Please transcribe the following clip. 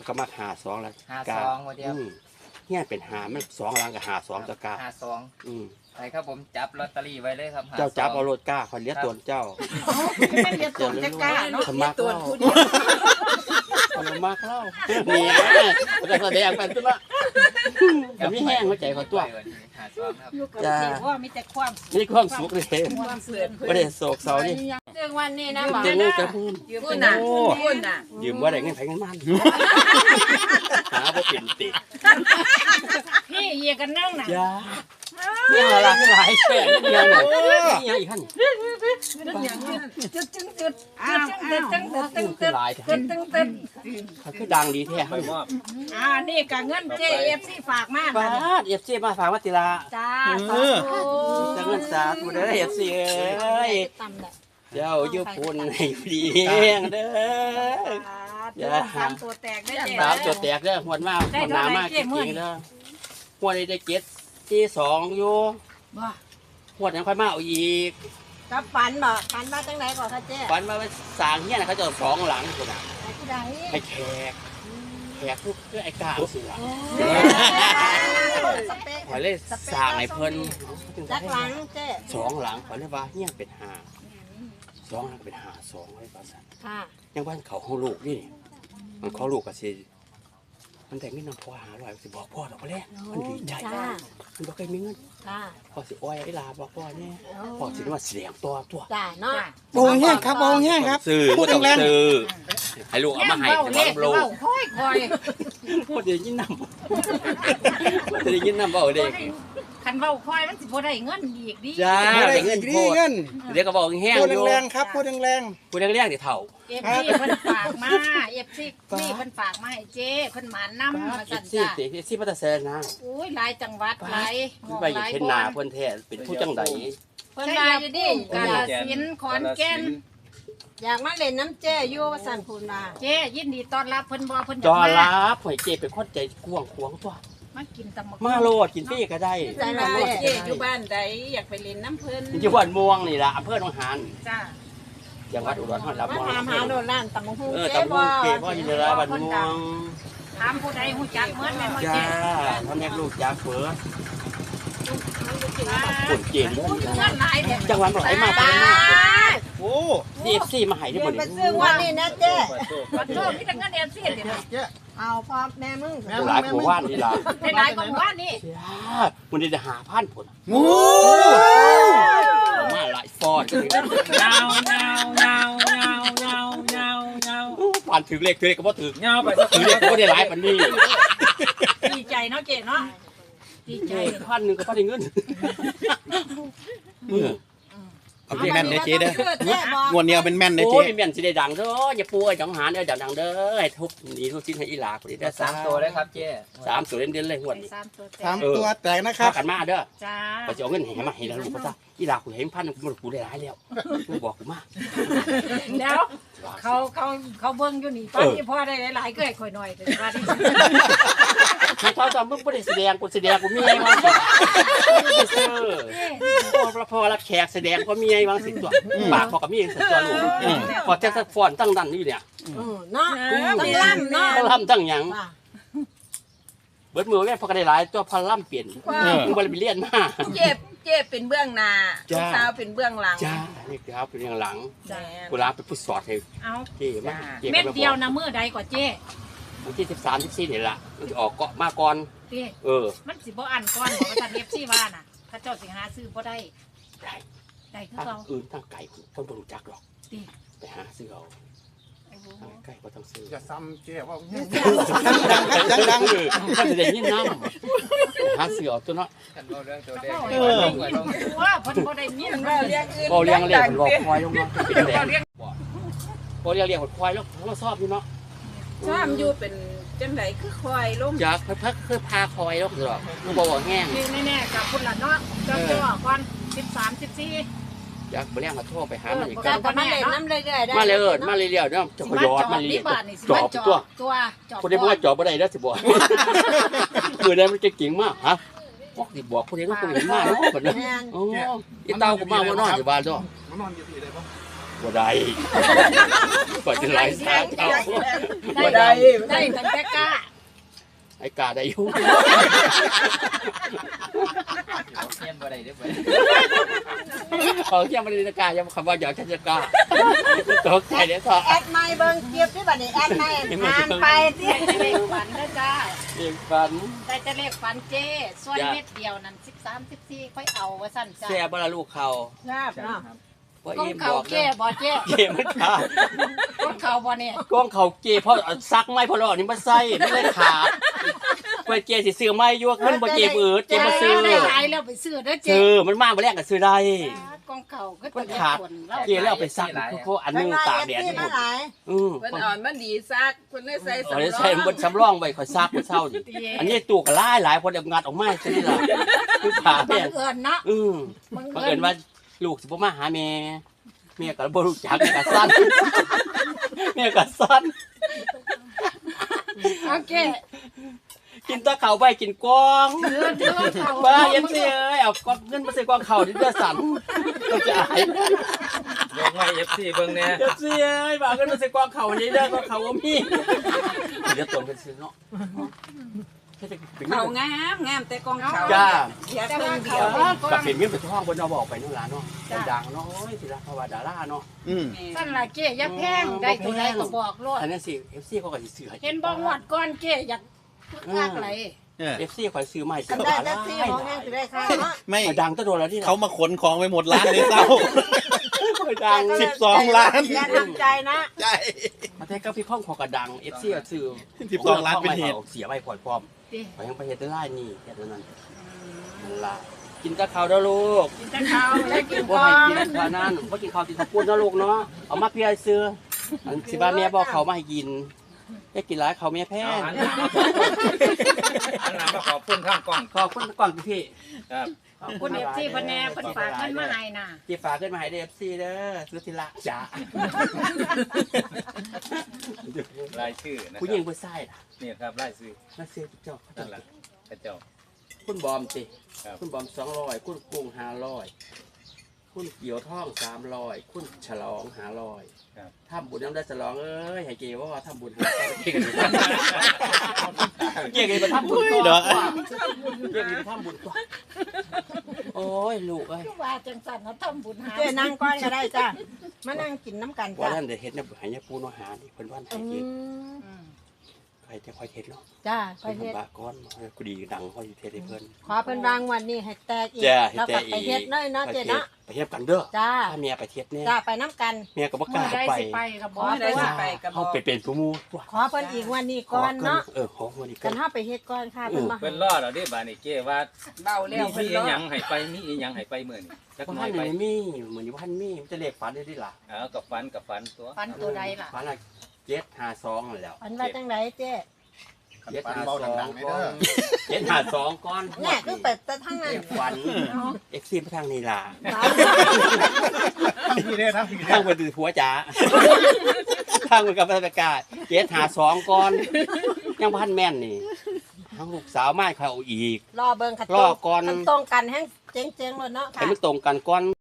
ก็มาหาสองแล้ว 52วันเดียวเนี่ยเป็นหามัน2หลังกับหา2ตะกา 52ไปครับผมจับลอตเตอรี่ไว้เลยครับเจ้าจับเอารถกล้าคนเลี้ยตัวเจ้าไม่เลี้ยตัวจะกล้าเนาะสมัครเล่าสมัครเล่านี่แต่แสดงเป็นตัวละกับมีแห้งหัวใจเขาตัวอยู่กับที่ว่ามีแต่ความนี่ความสุขเลยไม่ได้โศกเศร้านี่เรื่องวันนี้นะหมอเจงูกระพูนพูดน่ะพูดน่ะยืมว่าได้เงินไผเงินมันหาบ่เป็นติพี่เยียกันนั่งน่ะยาเนี่ยหลายหลายแค่เนี่ยนี่อีกขั้นจุดหลายตึ้งคือดังดีแท้นี่กับเงิน JFC ฝากมาป้าเอฟซีมาฝากวัติลาจ้าจะเงินสาธุเด้อเอฟซีเอ้ยเจ้าอยู่ปุ่นให้ดีเด้อ 3ตัวแตกได้ 3ตัวแตกเด้อหวดมากหวดหนามากจริงๆเด้อหวดได้เก็ตที่2อยู่หวดยังค่อยมาเอาอีกกับฝันบ่ฝันว่าจังได๋ก่อนค่ะเจ๊ฝันมาสร้างเฮียน่ะเขาจะ2หลังพุ่นน่ะให้แขกทุกคือไอ้กาเสือขอเลยสร้างให้เพิ่นจักหลังเจ๊ 2หลังขอเลยว่าเฮียเป็น5 2หลังเป็น5 2ไว้ว่าซั่นค่ะยังบ้านเขาของลูกนี่มันของลูกก็สิมันแต่งเงินนำพ่อ500สิบอกพ่อดอกบ่แลมันดีใจมันบ่เคยมีเงินพ่อสิอ้อยไอ้ลาบอกพ่อแน่พ่อสิว่าเสียงตัวจ้าเนาะโอ้แห้งครับโอ้แห้งครับซื้อบ่ต้องซื้อให้ลูกเอามาให้บ่ลูกค่อยพ่อจะยินนำพ่อจะยินนำเว้าเด้คันเว้าค่อยมันสิบ่ได้เงินอีกดิจ้าได้เงินโพดเดี๋ยวก็บอกแห้งอยู่พูดแรงๆครับพูดแรงๆพูดแรงๆสิเฒ่า FC เพิ่นฝากมาFC นี่เพิ่นฝากมาให้เจ้เพิ่นหมานนำมาสั่นจ้า FC พัตแซนนะโอ้ยหลายจังหวัดหลายไปอยู่เพิ่นหน้าเพิ่นแท้เป็นผู้จังได๋เพิ่นมาอยู่ดิกาฬสินธุ์ขอนแก่นอยากมาเล่นน้ำเจ้อยู่ว่าสั่นพูนมาเจ้ยินดีต้อนรับเพิ่นบ่เพิ่นต้อนรับหอยเจ้เป็นคนใจกว้างขวางตัวมากินตำบักมาโลดกินฟรีก็ได้ใจมาเจ้อยู่บ้านใดอยากไปเล่นน้ำเพิ่นอยู่บ้านม่วงนี่ล่ะอำเภอหนองหานจ้าจังหวัดอุดรธานีรับมาหาโดนร้านตำบักหุ่งเจ้บ่เจ้บ่อยู่ในบ้านม่วงถามผู้ใดฮู้จักเหมือนแม่นบ่เจ้ท่านแม่ลูกยาเฟือคนเก่งจังหวัดไหลมาเป็นโอ้ FC มาให้ได้บ่นี่ซื้อวันนี้นะเจ้ขอโทษพี่ตั้งเงิน FC เด้อเอาพ่อแม่มึงหลายกว่าว่านนี่ล่ะหลายกว่าว่านนี่มันได้5,000พุ่นโอ้มาหลายฟอดยาผ่านถึงเลขก็บ่ถึงยาวไปถึงเลขก็บ่ได้หลายปานนี้ดีใจเนาะเจ๊เนาะดีใจ 1,000นึงก็บ่ได้เงินเอาแม่นได้เจ๊เด้องวดเดียวเป็นแม่นได้เจ๊โอ้ยแม่นสิได้ดังเด้ออย่าป่วยจังหารเด้อดังเด้อให้ทุบนี่ทุบชิ้นให้อีหลาคนนี้ได้ 3ตัวเลยครับเจ๊ 3ตัวเด่นๆเลยหวด 3ตัวแตกนะครับกันมาเด้อจ้าก็จะเอาเงินให้มาให้แล้วลูกก็ซะอีหลากูเห็น1,000กูได้หลายแล้วกูบอกกูมาแล้วเขาเบิ่งอยู่นี่ป้าที่พ่อได้หลายๆก็ให้ข่อยหน่อยแต่ว่าที่เขาตอนมึงบ่ได้แสดงกูแสดงกูมีไงวะพอรับแขกแสดงก็มีไงวางสิตัวปากพอกับมีสิตัวลูกพอแจ็คสักฟอนตั้งดันอยู่เนี่ยเนาะต้องล่ำเนาะล่ำตั้งหยังเบิดมือแม่พอก็ได้หลายตัวพอล่ำเปลี่ยนมึงบ่ได้ไปเรียนมาเจ็บเป็นเบื้องหน้าลูกสาวเป็นเบื้องหลังจ้านี่ครับเป็นเบื้องหลังกูลาไปผู้สอดให้เจ๊มาเม็ดเดียวนะมื้อใดกว่าเจ๊วันที่13 14นี่ล่ะมันสิออกเกาะมาก่อนมันสิบ่อันก่อนบอกว่าท่าน FC ว่าน่ะถ้าเจ้าสิหาซื้อบ่ได้คือเก่าอื่นทางไก่คนบ่รู้จักหรอกไปหาซื้อเอาไก่บ่ต้องซื้อจะซ้ำเจ๊ว่าดังๆมันจะได้ยินนำหาซื้อเอาตัวเนาะกันเว้าเรื่องตัวเด็กว่าเพิ่นบ่ได้ยินเว้าเรื่องอื่นบ่เลี้ยงบ่ควายลงเนาะเป็นแดงบ่เลี้ยงควายลงเราชอบอยู่เนาะชอบอยู่เป็นจังได๋คือควายลงจักพักคือพาควายลงดอกมันบ่แห้งนี่แน่ๆกับพุ่นล่ะเนาะจังจ่อก่อน13 14 อยากบ่เลี้ยงมาโทรไปหามันอีกก็มาเล่นน้ำเรื่อยๆได้มาเรื่อยๆเนาะจะขยอดมาเรื่อยจอบตัวผู้ใดบ่ว่าจอบบ่ได้เด้อสิบ่มื้อใดมันจะเก่งมากฮะบอกสิบอกผู้ใดต้องเห็นมาเนาะบัดนี้โอ้อีเต้าก็มาบ่นอนอยู่บ้านจ้ะมานอนอยู่ที่ใดบ่บ่ได้ก่อนจะไล่ซากเอาได้ได้ตั้งแต่กล้าไอ้กาได้อยู่เอาเทียนบ่ได้เด้อบ่เขาเที่ยงบริษัทกายังคำว่าอยากจะกาตกใจเดี๋ยวต่อแอดไม่เบิ่งเกียบที่บัดนี้แอดไม่ห่างไปที่ได้จะเลขฝันนะจ้าเองฟันได้จะเลขฝันเจ้ส่วนเม็ดเดียวนั่น13 14ค่อยเอาว่าสั่นจ้าแซ่บละลูกเขาครับเนาะว่าก้องเอ็มบเขาอกเจ้บ่เจ้เกมันขาดก้องเขาบ่เนี่ยกล้องเขาเกเพราะซักไม่พอหรอกนี่มันไส้ไม่ได้ขาดเปิดเกสิซื้อไม่ยั่วขึ้นบ่เกบืดเกมาซื้อได้หลายแล้วไปซื้อเด้อเจ้ซื้อมันมากมาแรกก็ซื้อได้ก้องเขาก็มันขาดเกแล้วไปซักพวกอันนึงตากแดดที่นี่มาหลายเพิ่นอ่อนมันดีซักเพิ่นเลยใส่เอาสำรได้อใส่งบนสำรองไว้คอยซักคนเศร้าดิอันนี้ตู้ก็หลายคนเอางัดออกมาซะนี่ล่ะคือขาบัเนี่ยงเอิญเนาะบังเอิญว่าลูกสิบ่มาหาแม่แม่ก็บ่รู้จักแม่ก็สั้นแม่ก็สั้นโอเคกินตะเข่าไปกินกวางถือเขาบ้าเย็นเสียเอ้ยเอากวางเงินมาใส่กวางเข่าดิเดือสั่นก็จะอายยกไม้ FC เบิ่งแน่เย็นเสียเอ้ยบ้าเงินมาใส่กวางเข่านี่เด้อกวางเข่าว่ามีเดี๋ยวตนเป็นซื้อเนาะเขางามแต่กองเขาจ้าเสียแต่เพิ่ว่านเดีเขายวกับเป็นเงินเป็นทองบนเราบอกไปนู่นล่ะเนาะดังเนาะโอ้ยศิลปะดาราเนาะสั่นละเจ้อย่าแพงได้ตัวใดก็บอกโลดอันนั้นสิ FC เขาก็สิซื้อให้เห็นบ่งวดก่อนเจ้อยากคักไหล FC ข่อยซื้อมาให้กันได้แท็กซี่ของแห้งสิได้ค่ะเนาะไม่ดังตะโดนแล้วที่เขามาขนของไปหมดร้านเลยเศร้าดัง 12 ล้านอย่าทำใจนะใช่มาแต่ก็พี่ข้องขอกระดัง FC ก็ซื้อ 12 ล้านเป็นเหตุเสียไปพร้อมติไปยังไปเฮ็ดได้หลายนี่แค่นั้นนั่นล่ะกินตะข้าวเด้อลูกกินแต่ข้าวแล้วกินบ่ก่อให้กินนเท่านั้นบ่กินข้าวกินข้าวปุ้นนะลูกเนาะเอามาเพียซื้ออันสิบ้าแม่บอกเขามาให้กินให้กินหลายเขาแม่แพ้เอาหันหลังมาขอบคุณข้างกล้องขอบคุณก่อนพี่ครับขอบคุณ FC เพิ่นแน่เพิ่นฝากเงินมาให้น่ะที่ฝากขึ้นมาให้ FC เด้อสุธิละจ๋ารายชื่อนะคผู้หญิรังบผู้ชายล่ะนี่ครับรายชื่อมาซื้อเจ้านั่นแหละพระเจ้าคุณบอมสิครับคุณบอม200คุณกุ้ง500คุณเกี่ยวท่อง300คุณฉลอง500 ครับทำบุญน้ำได้ฉลองเอ้ยให้เกว่าทำบุญเกกันไปทำบุญก่อนเกกันไปทำบุญก่อนโอ้ยลูกเอ้ยคือว่าจังซั่นเนาะทำบุญหาเจ้นั่งก้อนก็ได้จ้ะมานั่งกินน้ำกันว่าจ้ะท่านได้เฮ็ดเนี่ยให้เนี่ยปูนหานี่เพิ่นว่าให้เฮ็ดอืมใครจะคอยเฮ็ดเนาะจ้ะไปเพิ่นเฮ็ดบาก้อนกูดีดังคอยเฮ็ดให้เพิ่นขอเพิ่นวางวันนี้ให้แตกอีกจ้าแล้วก็ไปเฮ็ดเลยเนาะเจ้เนาะไปเฮ็ดกันเด้อจ้าถ้าเมียไปเฮ็ดเนี่ยจ้าไปน้ำกันเมียก็บ่กมื้ล้าอใดไปสิไปก็บ่ได้ได้สิว่าไปกับเฮาไปเป็นผู้หมู่ตัวขอเพิ่นอีกวันนี้ก่อนเนาะขอวันนี้ก่กัอนนเฮาไปเฮ็ดก่อนค่ะเพิ่นมาเพิ่นรอเราดิบาดนี้เก้ว่าเบาแล้วมีเพิ่นอีรอหยังให้ไปมีอีหยังให้ไปมื้อนี้จักบ่หน่ทัอน ยไปได้มีเหมือนอยู่บ่ทันมีมันจะเลขฝันได้ดิล่ะเอากับฟันตัวฟันตัวใดล่ะฝันละ752นั่นแหล้วอันว่าจังไดเจ้ 752ก่อน752ก่อนเนี่ยคือเป็ดแต่ทั้งนั้นเลขฝันเอ็กซี่ไปทางนี้ล่ะพี่ได้ทั้งพี่ทางไปดูผัวจ๋าทางไปกับราชการ752ก่อนยังบ่ทันแม่นนี่ทางลูกสาวมาเขาเอาอีกรอเบิ่งขัดรอก่อนตรงกันแฮงเจ๊งๆเลยเนาะค่ะให้มันตรงกันก่อน